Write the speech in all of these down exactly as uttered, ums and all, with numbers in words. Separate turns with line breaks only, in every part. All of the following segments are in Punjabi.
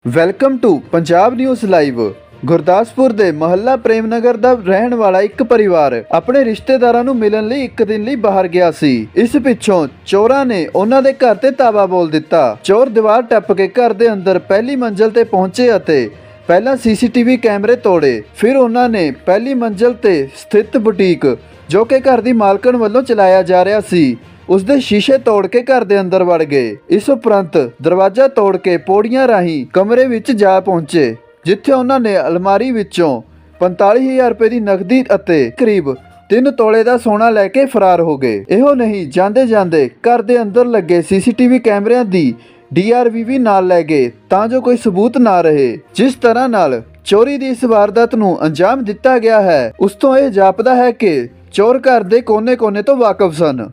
Welcome to Punjab news live. Gurdaspur ਦੇ ਮਹੱਲਾ ਪ੍ਰੇਮ ਨਗਰ ਦਾ ਰਹਿਣ ਵਾਲਾ ਇੱਕ ਪਰਿਵਾਰ ਆਪਣੇ ਰਿਸ਼ਤੇਦਾਰਾਂ ਨੂੰ ਮਿਲਣ ਲਈ ਇੱਕ ਦਿਨ ਲਈ ਬਾਹਰ ਗਿਆ ਸੀ। ਇਸ ਪਿੱਛੋਂ ਚੋਰਾਂ ਨੇ ਉਹਨਾਂ ਦੇ ਘਰ ਤੇ ਤਾਲਾ ਬੋਲ ਦਿੱਤਾ। ਚੋਰ ਦੀਵਾਰ ਟੱਪ ਕੇ ਘਰ ਦੇ ਅੰਦਰ ਪਹਿਲੀ ਮੰਜ਼ਲ ਤੇ ਪਹੁੰਚੇ ਅਤੇ ਪਹਿਲਾਂ ਸੀਸੀਟੀਵੀ ਕੈਮਰੇ ਤੋੜੇ। ਫਿਰ ਉਹਨਾਂ ਨੇ ਪਹਿਲੀ ਮੰਜ਼ਲ ਤੇ ਸਥਿਤ ਬੁਟੀਕ, ਜੋ ਕਿ ਘਰ ਦੀ ਮਾਲਕਣ ਵੱਲੋਂ ਚਲਾਇਆ ਜਾ ਰਿਹਾ ਸੀ, ਉਸ ਦੇ ਸ਼ੀਸ਼ੇ ਤੋੜ ਕੇ ਘਰ ਦੇ ਅੰਦਰ ਵੜ ਗਏ। ਇਸ ਉਪਰੰਤ ਦਰਵਾਜ਼ਾ ਤੋੜ ਕੇ ਪੌੜੀਆਂ ਰਾਹੀਂ ਕਮਰੇ ਵਿੱਚ ਜਾ ਪਹੁੰਚੇ, ਜਿੱਥੇ ਉਹਨਾਂ ਨੇ ਅਲਮਾਰੀ ਵਿੱਚੋਂ ਪੰਤਾਲੀ ਹਜ਼ਾਰ ਰੁਪਏ ਦੀ ਨਕਦੀ ਅਤੇ ਕਰੀਬ ਤਿੰਨ ਤੋਲੇ ਦਾ ਸੋਨਾ ਲੈ ਕੇ ਫਰਾਰ ਹੋ ਗਏ। ਇਹੋ ਨਹੀਂ, ਜਾਂਦੇ ਜਾਂਦੇ ਘਰ ਦੇ ਅੰਦਰ ਲੱਗੇ ਸੀਸੀਟੀਵੀ ਕੈਮਰਿਆਂ ਦੀ ਡੀ ਆਰ ਵੀ ਵੀ ਨਾਲ ਲੈ ਗਏ, ਤਾਂ ਜੋ ਕੋਈ ਸਬੂਤ ਨਾ ਰਹੇ। ਜਿਸ ਤਰ੍ਹਾਂ ਨਾਲ ਚੋਰੀ ਦੀ ਇਸ ਵਾਰਦਾਤ ਨੂੰ ਅੰਜਾਮ ਦਿੱਤਾ ਗਿਆ ਹੈ, ਉਸ ਤੋਂ ਇਹ ਜਾਪਦਾ ਹੈ ਕਿ ਚੋਰ ਘਰ ਦੇ ਕੋਨੇ-ਕੋਨੇ ਤੋਂ ਵਾਕਿਫ ਸਨ।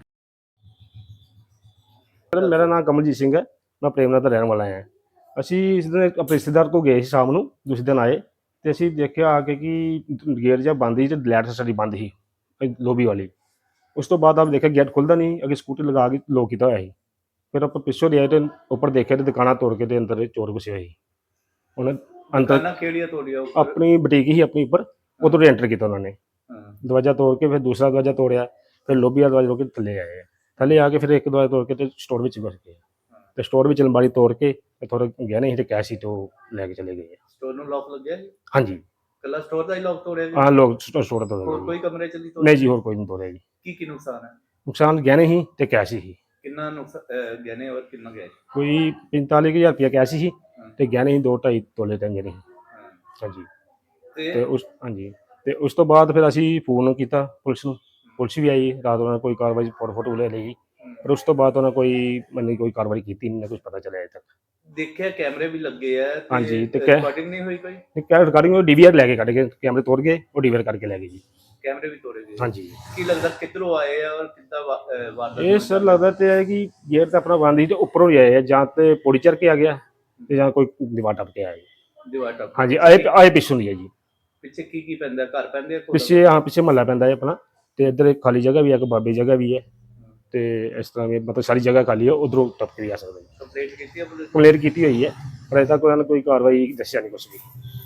मेरा नाम कमलजीत सिंह है। मैं प्रेमनगर ਦਾ ਰਹਿਣ ਵਾਲਾ ਹਾਂ। ਅਸੀਂ ਇਸ ਦਿਨ ਆਪਣੇ ਰਿਸ਼ਤੇਦਾਰ ਕੋਲ ਗਏ ਸੀ ਸ਼ਾਮ ਨੂੰ, ਦੂਸਰੇ ਦਿਨ ਆਏ ਤੇ ਅਸੀਂ ਦੇਖਿਆ ਆ ਕੇ ਕਿ ਗੇਟ ਜਿਹਾ ਬੰਦ ਸੀ ਤੇ ਲਾਈਟ ਸਾਡੀ ਬੰਦ ਸੀ ਲੋਬੀ ਵਾਲੀ। ਉਸ ਤੋਂ ਬਾਅਦ ਆਪ ਦੇਖਿਆ ਗੇਟ ਖੁੱਲਦਾ ਨਹੀਂ, ਅੱਗੇ ਸਕੂਟੀ ਲਗਾ ਕੇ ਲੋਕ ਕੀਤਾ ਹੋਇਆ ਸੀ। ਫਿਰ ਆਪਾਂ ਪਿੱਛੋਂ ਦੇ ਆਏ ਤੇ ਉੱਪਰ ਦੇਖਿਆ ਤੇ ਦੁਕਾਨਾਂ ਤੋੜ ਕੇ ਤੇ ਅੰਦਰ ਚੋਰ ਘੁਸੇ ਹੋਏ ਸੀ। ਉਹਨਾਂ ਅੰਦਰ
ਕਿਹੜੀਆਂ ਤੋੜੀਆਂ?
ਆਪਣੀ ਬੁਟੀਕ ਹੀ ਆਪਣੀ ਉੱਪਰ, ਉਧਰੋਂ ਐਂਟਰ ਕੀਤਾ ਉਹਨਾਂ ਨੇ। ਦਰਵਾਜ਼ਾ ਤੋੜ ਕੇ ਫਿਰ ਦੂਸਰਾ ਦਰਵਾਜ਼ਾ ਤੋੜਿਆ, ਫਿਰ ਲੋਬੀ ਵਾਲਾ ਦਰਵਾਜ਼ਾ ਤੋੜ ਕੇ ਥੱਲੇ ਆਏ। ਥੱਲੇ ਆ ਕੇ ਫਿਰ ਇੱਕ ਦਰਵਾਜ਼ਾ ਤੋੜ ਕੇ ਤੇ ਸਟੋਰ ਵਿੱਚ ਘੁਸ ਗਏ ਤੇ ਸਟੋਰ ਵਿੱਚ ਅਲਮਾਰੀ ਤੋੜ ਕੇ ਤੇ ਥੋੜਾ ਗਹਿਣੇ ਸੀ ਤੇ ਕੈਸ਼ ਸੀ ਤੇ ਉਹ ਲੈ ਕੇ ਚਲੇ ਗਏ।
ਸਟੋਰ ਨੂੰ ਲੌਕ ਲੱਗਿਆ ਜੀ?
ਹਾਂਜੀ,
ਕੱਲਾ ਸਟੋਰ ਦਾ ਹੀ ਲੌਕ ਤੋੜਿਆ ਜੀ?
ਹਾਂ, ਲੋਕ ਸਟੋਰ ਤੋੜ
ਹੋਰ
ਗਏ।
ਕੋਈ ਕਮਰੇ ਚ ਨਹੀਂ ਤੋੜਿਆ?
ਨਹੀਂ ਜੀ, ਹੋਰ ਕੋਈ ਨਹੀਂ ਤੋੜਿਆ ਜੀ।
ਕੀ ਕੀ ਨੁਕਸਾਨ ਹੈ?
ਨੁਕਸਾਨ ਗਹਿਣੇ ਸੀ ਤੇ ਕੈਸ਼ ਸੀ।
ਕਿੰਨਾ ਨੁਕਸਾਨ ਗਹਿਣੇ ਔਰ ਕਿੰਨਾ ਗਏ?
ਕੋਈ ਪੰਤਾਲੀ ਹਜ਼ਾਰ ਰੁਪਇਆ ਕੈਸ਼ ਸੀ ਤੇ ਗਹਿਣੇ ਸੀ ਦੋ ਢਾਈ ਤੋਲੇ ਤੇ ਗਹਿਣੇ ਸੀ। ਹਾਂਜੀ, ਤੇ ਉਸ ਹਾਂਜੀ ਤੇ ਉਸ ਤੋਂ ਬਾਅਦ ਫਿਰ ਅਸੀਂ ਫੋਨ ਕੀਤਾ ਪੁਲਿਸ ਨੂੰ। ਪੁਲਿਸ ਵੀ ਆਈ ਰਾਤ, ਉਹਨਾਂ ਨੇ ਕੋਈ ਕਾਰਵਾਈ ਫੋਟੋ ਫੋਟੋ ਲੈ ਲਈ, ਪਰ ਉਸ ਤੋਂ ਬਾਅਦ ਉਹਨਾਂ ਕੋਈ ਮੈਨੂੰ ਕੋਈ ਕਾਰਵਾਈ ਕੀਤੀ ਨਹੀਂ, ਨਾ ਕੁਝ ਪਤਾ ਚੱਲਿਆ ਅਜੇ ਤੱਕ।
ਦੇਖਿਆ ਕੈਮਰੇ ਵੀ ਲੱਗੇ ਆ?
ਹਾਂਜੀ, ਤੇ
ਰਿਕਾਰਡਿੰਗ ਨਹੀਂ ਹੋਈ ਕੋਈ?
ਕੈ ਰਿਕਾਰਡਿੰਗ ਉਹ ਡੀਵੀਆਰ ਲੈ ਕੇ ਕੱਢ ਕੇ ਕੈਮਰੇ ਤੋੜ ਗਏ, ਉਹ ਡੀਵੀਆਰ ਕਰਕੇ ਲੈ ਗਏ ਜੀ।
ਕੈਮਰੇ ਵੀ ਤੋੜੇ ਗਏ?
ਹਾਂਜੀ।
ਕੀ ਲੱਗਦਾ ਕਿੱਧਰੋਂ ਆਏ ਆ ਔਰ ਕਿੱਦਾਂ ਵਾਰਦਾਤ?
ਇਹ ਸਰ ਲੱਗਦਾ ਤੇ ਹੈ ਕਿ ਗੇਟ ਤਾਂ ਆਪਣਾ ਬੰਦ ਸੀ ਤੇ ਉੱਪਰੋਂ ਹੀ ਆਏ ਆ, ਜਾਂ ਤੇ ਪੌੜੀ ਚੜ੍ਹ ਕੇ ਆ ਗਿਆ ਤੇ ਜਾਂ ਕੋਈ ਦੀਵਾਰ ਟੱਪ ਕੇ ਆਇਆ।
ਦੀਵਾਰ ਟੱਪ?
ਹਾਂਜੀ, ਆਏ ਆਏ ਪਿੱਛੋਂ ਦੀ ਹੈ ਜੀ।
ਪਿੱਛੇ ਕੀ ਕੀ ਪੈਂਦਾ? ਘਰ ਪੈਂਦੇ ਆ?
ਪਿੱਛੇ ਹਾਂ, ਪਿੱਛੇ ਮਹੱਲਾ ਪੈਂਦਾ ਹੈ ਆਪਣਾ, ਤੇ ਇੱਧਰ ਇੱਕ ਖਾਲੀ ਜਗ੍ਹਾ ਵੀ ਹੈ, ਇੱਕ ਬਾਬੇ ਜਗ੍ਹਾ ਵੀ ਹੈ, ਤੇ ਇਸ ਤਰ੍ਹਾਂ ਵੀ ਮਤਲਬ ਸਾਰੀ ਜਗ੍ਹਾ ਖਾਲੀ ਹੈ, ਉਧਰੋਂ ਟੱਪ ਕੇ ਵੀ ਆ ਸਕਦਾ ਜੀ।
ਕੰਪਲੇਂਟ ਕੀਤੀ ਹੈ ਪੁਲਿਸ?
ਕੰਪਲੇਂਟ ਕੀਤੀ ਹੋਈ ਹੈ, ਪਰ ਅਜੇ ਤੱਕ ਉਹਨਾਂ ਨੇ ਕੋਈ ਕਾਰਵਾਈ ਦੱਸਿਆ ਨਹੀਂ ਕੁਛ ਵੀ।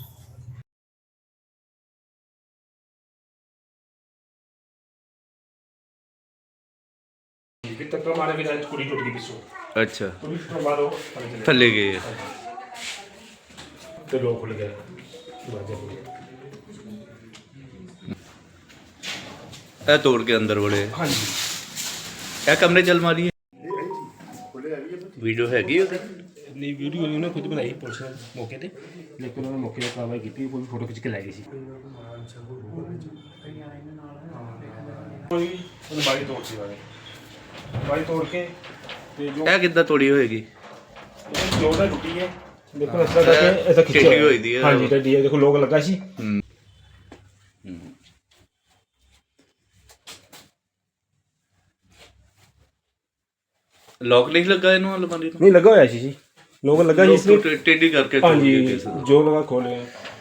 ਟੱਕਰ ਮਾਰੇ ਵੀ ਰਾਤ ਕੁੜੀ ਟੁੱਟ ਗਈ ਪਿੱਛੋਂ।
ਅੱਛਾ,
ਕੁੜੀ ਤੋਂ ਬਾਅਦ ਉਹ
ਥੱਲੇ ਗਏ
ਤੇ ਲੋਕ ਖੁੱਲ ਗਏ ਦਰਵਾਜ਼ੇ ਖੁੱਲ ਗਏ।
ਇਹ ਤੋੜ ਕੇ ਅੰਦਰ ਵੜੇ?
ਹਾਂਜੀ,
ਇਹ ਕਮਰੇ ਚ ਅਲਮਾਰੀ ਹੈ? ਵੀਡੀਓ ਹੈਗੀ ਉਹਦੀ?
ਨਹੀਂ, ਵੀਡੀਓ ਉਹਨੇ ਖੁਦ ਬਣਾਈ ਪੁਲਿਸ ਨੇ ਮੌਕੇ ਤੇ, ਲੇਕਿਨ ਉਹਨੇ ਮੌਕੇ ਤੇ ਕਾਰਵਾਈ ਕੀਤੀ, ਕੋਈ ਫੋਟੋ ਖਿੱਚ ਕੇ ਲੈ ਗਈ ਸੀ। ਕੋਈ ਅਲਮਾਰੀ ਤੋੜ ਸੀ ਵਾਲੇ ਅਲਮਾਰੀ ਤੋੜ ਕੇ ਤੇ ਜੋ
ਇਹ ਕਿੱਦਾਂ ਤੋੜੀ ਹੋਏਗੀ?
ਜੋ ਦਾ ਟੁੱਟੀ ਹੈ, ਦੇਖੋ ਇਸ ਤਰ੍ਹਾਂ ਕਰਕੇ ਐਸਾ ਖਿੱਚਿਆ
ਟੇਢੀ ਹੋਈ ਦੀ ਹੈ।
ਹਾਂਜੀ, ਟੇਢੀ ਹੈ, ਦੇਖੋ ਲੋਕ ਲੱਗਾ ਸੀ।
ਹੂੰ। ਲੌਕ ਨਹੀਂ ਲੱਗਾ ਇਹਨੂੰ ਅਲਮਾਰੀ ਨੂੰ?
ਨਹੀਂ, ਲੱਗਾ ਹੋਇਆ ਸੀ ਜੀ, ਲੋਕ ਲੱਗਾ ਸੀ ਇਸ ਲਈ।
ਟੇ- ਟੇਢੀ ਕਰਕੇ ਤੋੜ
ਹਾਂਜੀ,
ਕੇ ਕਿਸੇ ਦਾ?
ਜੋ ਲਗਾ ਖੋਲਿਆ।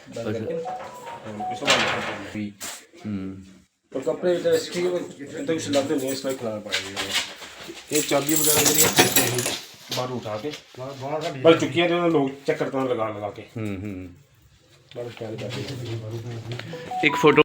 ਹੂੰ।
और कपड़े ठीक है तो कुछ लगते नहीं, इसमें खिला पाएंगे। ये चाबी वगैरह जरिए बाहर उठा के बल चुकी है, लोग चेक करते हैं लगा लगा के।
हम्म हम्म
बस ख्याल करते हैं।
एक फोटो